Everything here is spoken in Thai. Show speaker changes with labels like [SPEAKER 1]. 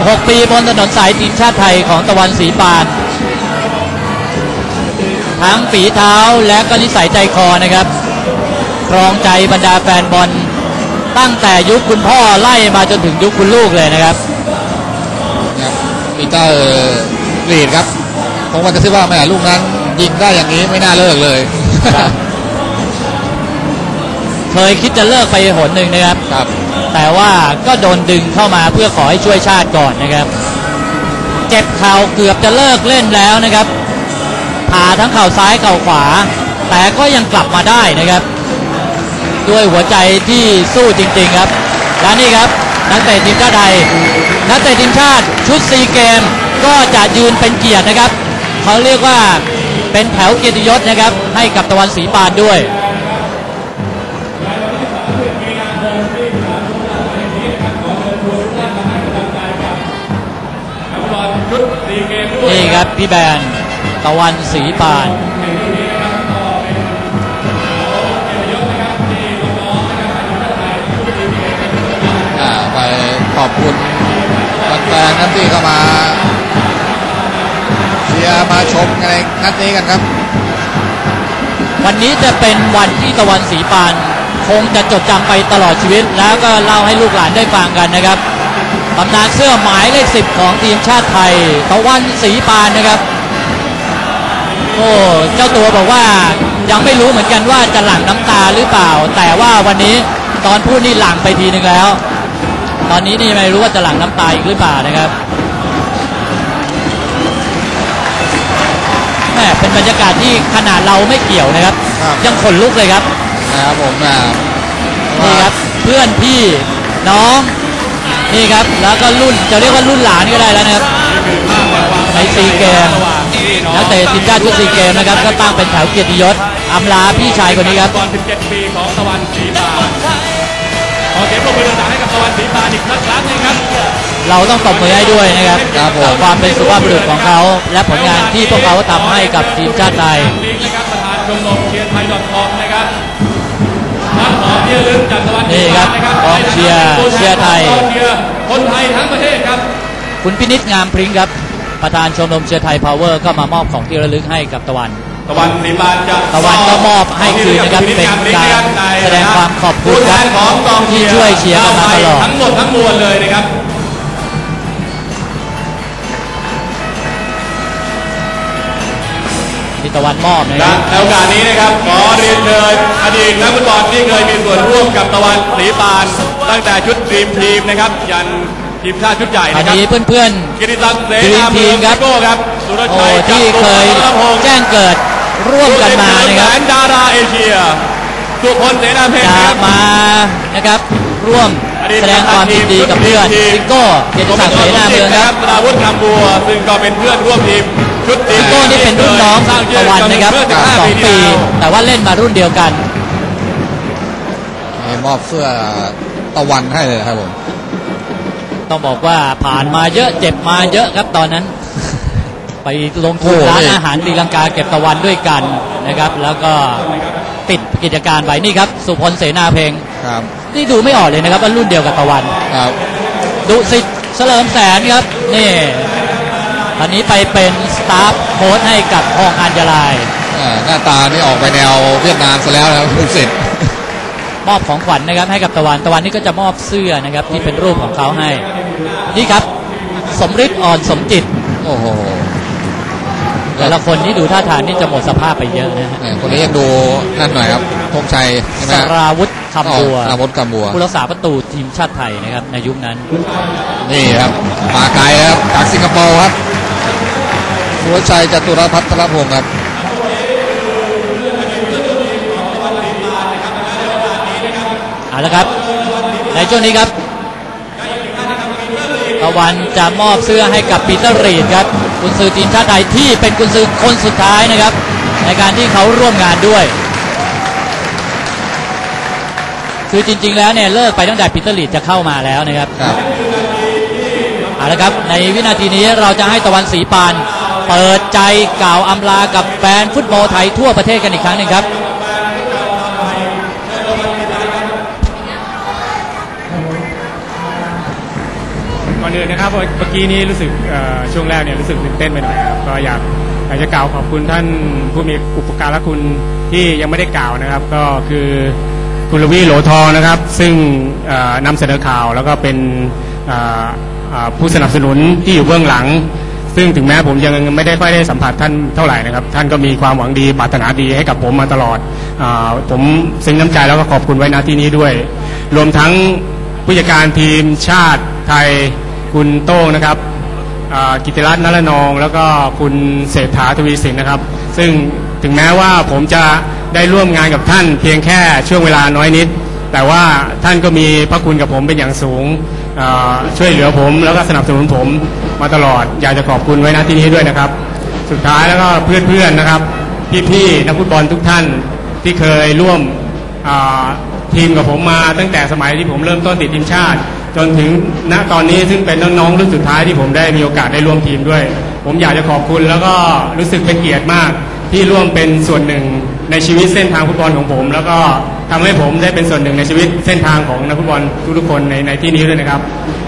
[SPEAKER 1] 6 ปีบนถนนสายทีมชาติไทยของตะวันศรีปานทั้งฝีเท้าและก็นิสัยใจคอนะครับครองใจบรรดาแฟนบอลตั้งแต่ยุคคุณพ่อไล่มาจนถึงยุคคุณลูกเลยนะครับ
[SPEAKER 2] ปีเตอร์รีดครับผมว่าจะคิดว่าแม่ลูกนั้นยิงได้อย่างนี้ไม่น่าเลิกเลย
[SPEAKER 1] เคยคิดจะเลิกไปหนหนึ่งนะครับแต่ว่าก็โดนดึงเข้ามาเพื่อขอให้ช่วยชาติก่อนนะครับเจ็บเข่าเกือบจะเลิกเล่นแล้วนะครับผ่าทั้งเข่าซ้ายเข่าขวาแต่ก็ยังกลับมาได้นะครับด้วยหัวใจที่สู้จริงๆครับและนี่ครับนักเตะทีมชาติไทยนักเตะทีมชาติชุดซีเกมก็จะยืนเป็นเกียรตินะครับเขาเรียกว่าเป็นแถวเกียรติยศนะครับให้กับตะวันศรีปานด้วยนี่ครับพี่แบนตะวันศรีปาน
[SPEAKER 2] ไปขอบคุณแฟนๆที่เข้ามาเชียร์มาชมในนัดนี้กันครับ
[SPEAKER 1] วันนี้จะเป็นวันที่ตะวันศรีปานคงจะจดจำไปตลอดชีวิตแล้วก็เล่าให้ลูกหลานได้ฟังกันนะครับตำนานเสื้อหมายเลข 10ของทีมชาติไทยตะวันศรีปานนะครับโอ้เจ้าตัวบอกว่ายังไม่รู้เหมือนกันว่าจะหลั่งน้ำตาหรือเปล่าแต่ว่าวันนี้ตอนพูดนี่หลั่งไปทีนึงแล้วตอนนี้นี่ไม่รู้ว่าจะหลั่งน้ำตาอีกหรือเปล่านะครับแม่เป็นบรรยากาศที่ขนาดเราไม่เกี่ยวนะครับยังขนลุกเลยครับ
[SPEAKER 2] นะครับผม
[SPEAKER 1] นี่ครับเพื่อนพี่น้องนี่ครับแล้วก็รุ่นจะเรียกว่ารุ่นหลานก็ได้แล้วนะครับในซีเกมนักเตะทีมชาติชุดซีเกมนะครับก็ตั้งเป็นแถวเกียรติยศอำลาพี่ชายคนนี้ครับ
[SPEAKER 3] ตอน17 ปีของตะวันศรีปานขอเสียงปรบมือดังๆให้กับตะวันศรีปานอีกครั้งนึงครับ
[SPEAKER 1] เราต้องตบมือให้ด้วยนะครับกับความเป็นสุภาพบุรุษของเขาและผลงานที่พวกเขาทำให้กับทีมชาติไทย
[SPEAKER 3] ประธานชมรมเชียร์ไทย.com นะครับขอเชียร์ลึกจากตะวันศรีปานนะครับ
[SPEAKER 1] กองเชียร์ไทย
[SPEAKER 3] คนไทยทั้งประเทศครับ
[SPEAKER 1] คุณพินิจงามพริ้งครับประธานชมรมเชียร์ไทยพาวเวอร์ก็มามอบของที่ระลึกให้กับตะวัน
[SPEAKER 3] ศรีปาน
[SPEAKER 1] ตะวันก็มอบให้คืนนะครับเป็นการแสดงความขอบคุณครับที่ช่วยเชียร์กันมาตลอด
[SPEAKER 3] ทั้งหมดทั้งมวลเลยนะครับ
[SPEAKER 1] ที่ตะวันมอบนะครับ
[SPEAKER 3] ในโอกาสนี้นะครับขอเรียนเชิญอดีตนักฟุตบอลที่เคยมีส่วนร่วมกับตะวันศรีปานตั้งแต่ชุดดรีมทีมนะครับยันทีมชาติชุดใหญ่นะครับ
[SPEAKER 1] อันนี้เพื่อน
[SPEAKER 3] ๆกิติศักดิ์เสนา
[SPEAKER 1] ทีมครับ
[SPEAKER 3] สุรชัย
[SPEAKER 1] ที่เคยแจ้งเกิดร่วมกันมานะครับ
[SPEAKER 3] ดาราเอเชียสุพลเสนาเพชร
[SPEAKER 1] จะมานะครับร่วมแสดงความยินดีกับเพื่อนซิโก้เกียรติศักดิ์เสนาเมืองครับ
[SPEAKER 3] ราวุฒิคำบัวซึ่งก็เป็นเพื่อนร่วมทีมชุด
[SPEAKER 1] ซิโก้นี่เป็นรุ่นน้องตะวันนะครับ2 ปีแต่ว่าเล่นมารุ่นเดียวกัน
[SPEAKER 2] มอบเสื้อตะวันให้เลยครับผม
[SPEAKER 1] ต้องบอกว่าผ่านมาเยอะเจ็บมาเยอะครับตอนนั้นไปลงทุนร้านอาหารศรีลังกาเก็บตะวันด้วยกันนะครับแล้วก็ปิดกิจการไปนี่ครับสุพลเสนาเพลงนี่ดูไม่ออกเลยนะครับว่ารุ่นเดียวกับตะวันดุสิตเฉลิมแสนครับนี่ตอนนี้ไปเป็นสตาฟโค้ชให้กับทองอัญญาลาย
[SPEAKER 2] หน้าตานี่ออกไปแนวเวียดนามซะแล้วนะครับดุสิต
[SPEAKER 1] มอบของขวัญนะครับให้กับตะวันนี่ก็จะมอบเสื้อนะครับที่เป็นรูปของเขาให้นี่ครับสมฤทธิ์อ่อนสมจิต
[SPEAKER 2] โอ้โห
[SPEAKER 1] แต่ละคนนี่ดูท่าทางนี่จะหมดสภาพไปเยอะนะ
[SPEAKER 2] คนนี้ยังดูนั่นหน่อยครับธงชัย
[SPEAKER 1] สราวุธคำบัวผู้รักษาประตูทีมชาติไทยนะครับในยุคนั้น
[SPEAKER 2] นี่ครับมาไกลครับจากสิงคโปร์ครับสุรชัยจตุรพัฒนพงศ์ครับ
[SPEAKER 1] เอาละครับในช่วงนี้ครับตะวันจะมอบเสื้อให้กับปีเตอร์รีดครับกุนซือทีมชาติไทยที่เป็นกุนซือคนสุดท้ายนะครับในการที่เขาร่วมงานด้วยคือจริงๆแล้วเนี่ยเลิกไปตั้งแต่ปีเตอร์รีดจะเข้ามาแล้วนะครับเอาละครับในวินาทีนี้เราจะให้ตะวันศรีปานเปิดใจกล่าวอำลากับแฟนฟุตบอลไทยทั่วประเทศกันอีกครั้งหนึ่งครับ
[SPEAKER 3] ก่อน
[SPEAKER 4] อื่นนะครับเมื่อกี้นี้รู้สึกช่วงแรกเนี่ยรู้สึกตื่นเต้นไปหน่อยครับก็อยากจะกล่าวขอบคุณท่านผู้มีอุปการะคุณที่ยังไม่ได้กล่าวนะครับก็คือคุณลวีโหลทองนะครับซึ่งนำเสนอข่าวแล้วก็เป็นผู้สนับสนุนที่อยู่เบื้องหลังซึ่งถึงแม้ผมยังไม่ได้ค่อยได้สัมผัสท่านเท่าไหร่นะครับท่านก็มีความหวังดีปรารถนาดีให้กับผมมาตลอดผมซึ้งน้ำใจแล้วก็ขอบคุณไว้ณที่นี้ด้วยรวมทั้งผู้จัดการทีมชาติไทยคุณโต้งนะครับกิติรัตน์นรนองแล้วก็คุณเศรษฐาทวีสินนะครับซึ่งถึงแม้ว่าผมจะได้ร่วมงานกับท่านเพียงแค่ช่วงเวลาน้อยนิดแต่ว่าท่านก็มีพระคุณกับผมเป็นอย่างสูงช่วยเหลือผมแล้วก็สนับสนุนผมมาตลอดอยากจะขอบคุณไว้ณที่นี้ด้วยนะครับสุดท้ายแล้วก็เพื่อนๆนะครับพี่ๆนักฟุตบอลทุกท่านที่เคยร่วมทีมกับผมมาตั้งแต่สมัยที่ผมเริ่มต้นติดทีมชาติจนถึงณตอนนี้ซึ่งเป็นน้องๆรุ่นสุดท้ายที่ผมได้มีโอกาสได้ร่วมทีมด้วยผมอยากจะขอบคุณแล้วก็รู้สึกเป็นเกียรติมากที่ร่วมเป็นส่วนหนึ่งในชีวิตเส้นทางฟุตบอลของผมแล้วก็ทำให้ผมได้เป็นส่วนหนึ่งในชีวิตเส้นทางของนักฟุตบอลทุกๆคนในที่นี้ด้วยนะครับ